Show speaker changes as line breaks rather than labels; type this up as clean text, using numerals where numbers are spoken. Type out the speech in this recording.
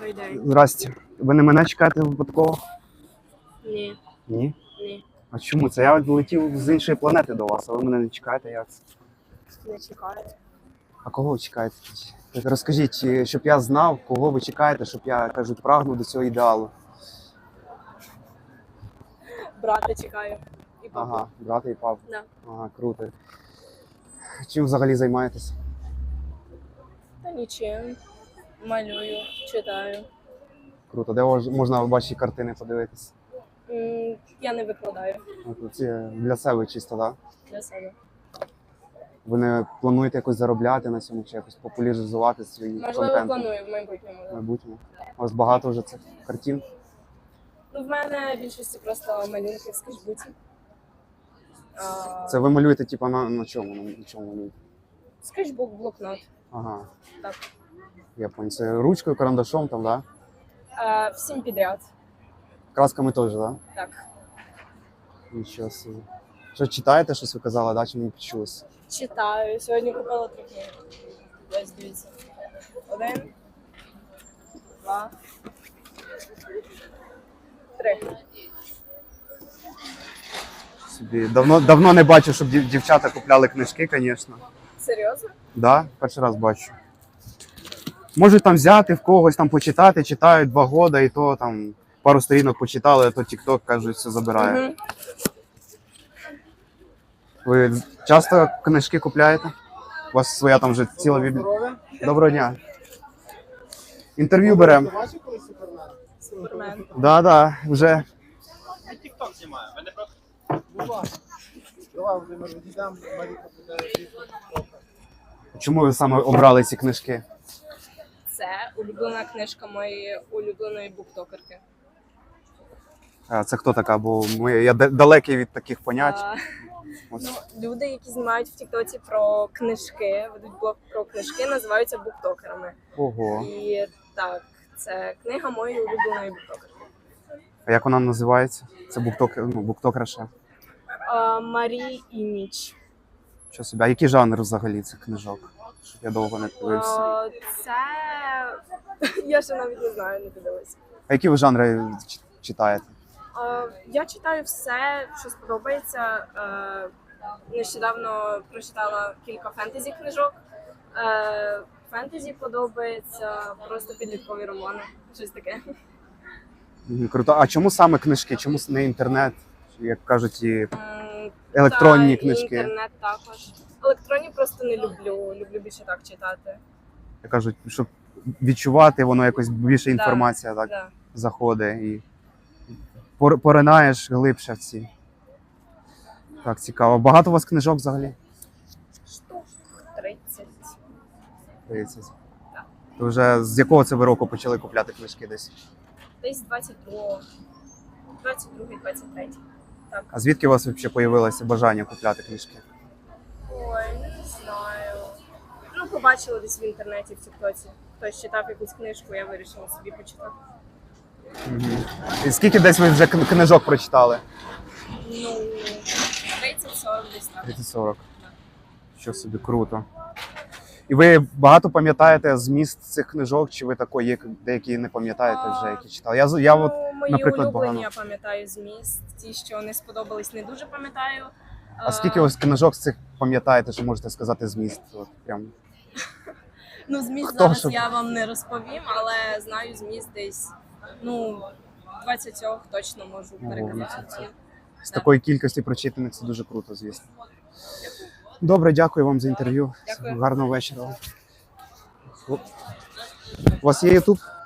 Добрий день.
Здрасте. Ви не мене чекаєте випадково?
Ні.
Ні?
Ні.
А чому це? Я летів з іншої планети до вас, а ви мене не чекаєте, як це?
Не чекаю.
А кого ви чекаєте? Так розкажіть, щоб я знав, кого ви чекаєте, щоб я, кажуть, прагнув до цього ідеалу.
Брата чекаю. І папу.
Ага, брата і папу.
Да.
Ага, круто. Чим взагалі займаєтесь?
Та нічим. Малюю, читаю.
Круто. Де можна ваші картини подивитись?
Я не викладаю
Це для себе чисто, так?
для себе.
Ви не плануєте якось заробляти на цьому чи якось популяризувати свій
Можливо,
контент
планую в майбутньому.
в
Да.
майбутньому? У вас багато вже цих картин?
Ну, в мене більшості просто малюнки в скетчбуці.
Це ви малюєте, типу, на чому? На чому малюєте?
Скетчбук, блокнот.
Ага,
Так.
я понял. Це ручкою, карандашом там, да?
Всім підряд.
Красками теж, да?
Так.
Нічого собі. Що читаєте, щось ви казали, да? Чи мені почулося?
Читаю. Сьогодні купила 3 книги. Ось дивіться. 1, 2, 3.
Собі. Давно не бачу, щоб дівчата купляли книжки, звісно.
Серйозно?
Да, перший раз бачу. Можуть там взяти в когось, там почитати, читають 2 роки, і то там пару сторінок почитали, а то TikTok, кажуть, все забирає.
Угу.
Ви часто книжки купляєте? У вас своя там вже ціла бібліотека? Доброго дня. Інтерв'ю беремо.
Супермен.
Да, вже.
Я тік-ток знімаю, ви не проти?
Давай, Володимир, відійдемо, Маріка буде.
Чому ви саме обрали ці книжки?
Це улюблена книжка моєї улюбленої буктокерки.
А це хто така? Бо я далекий від таких понять. Ось.
Ну, люди, які знімають в Тіктоці про книжки, ведуть блог про книжки, називаються буктокерами.
Ого.
І так, це книга моєї улюбленої буктокерки.
А як вона називається? Це буктокерша.
Марі і Ніч.
Що собі? А який жанр взагалі цих книжок? Щоб я довго не дивився.
Це я ще навіть не знаю, не дивилася.
А які ви жанри читаєте?
Я читаю все, що сподобається. Нещодавно прочитала кілька фентезі книжок. Фентезі подобається, просто підліткові романи, щось таке.
Круто. А чому саме книжки? Чому не інтернет? Як кажуть, і електронні
Та,
книжки?
І інтернет також. Електронні просто не люблю. Люблю більше так читати.
Як кажуть, щоб відчувати, воно якось більше інформація так
Да.
заходить і поринаєш глибше в ці. Так, цікаво. Багато у вас книжок взагалі?
Штук 30.
30.
Так.
То вже з якого це ви року почали купляти книжки десь?
Десь 22-23. Так.
А звідки у вас взагалі появилося бажання купляти книжки?
Ой, не знаю. Ну, побачила десь в інтернеті, в Тіктоці. Хтось читав якусь книжку, я вирішила собі почитати.
І скільки десь ви вже книжок прочитали?
Ну, 30-40 десь так.
30-40. Що собі, круто. І ви багато пам'ятаєте зміст цих книжок, чи ви такої є деякі не пам'ятаєте вже, які читали? Я от,
мої
наприклад,
улюблені
багато.
я пам'ятаю зміст. Ті, що не сподобались, не дуже пам'ятаю.
А скільки ось книжок з цих пам'ятаєте, що можете сказати зміст? От, прям.
Ну, зміст
Хто
зараз
щоб-
я вам не розповім, але знаю зміст десь, 20 точно можу переказати.
З такої кількості прочитаних це дуже круто, звісно. Добре, дякую вам за інтерв'ю.
Дякую.
Гарного вечора. У вас є YouTube?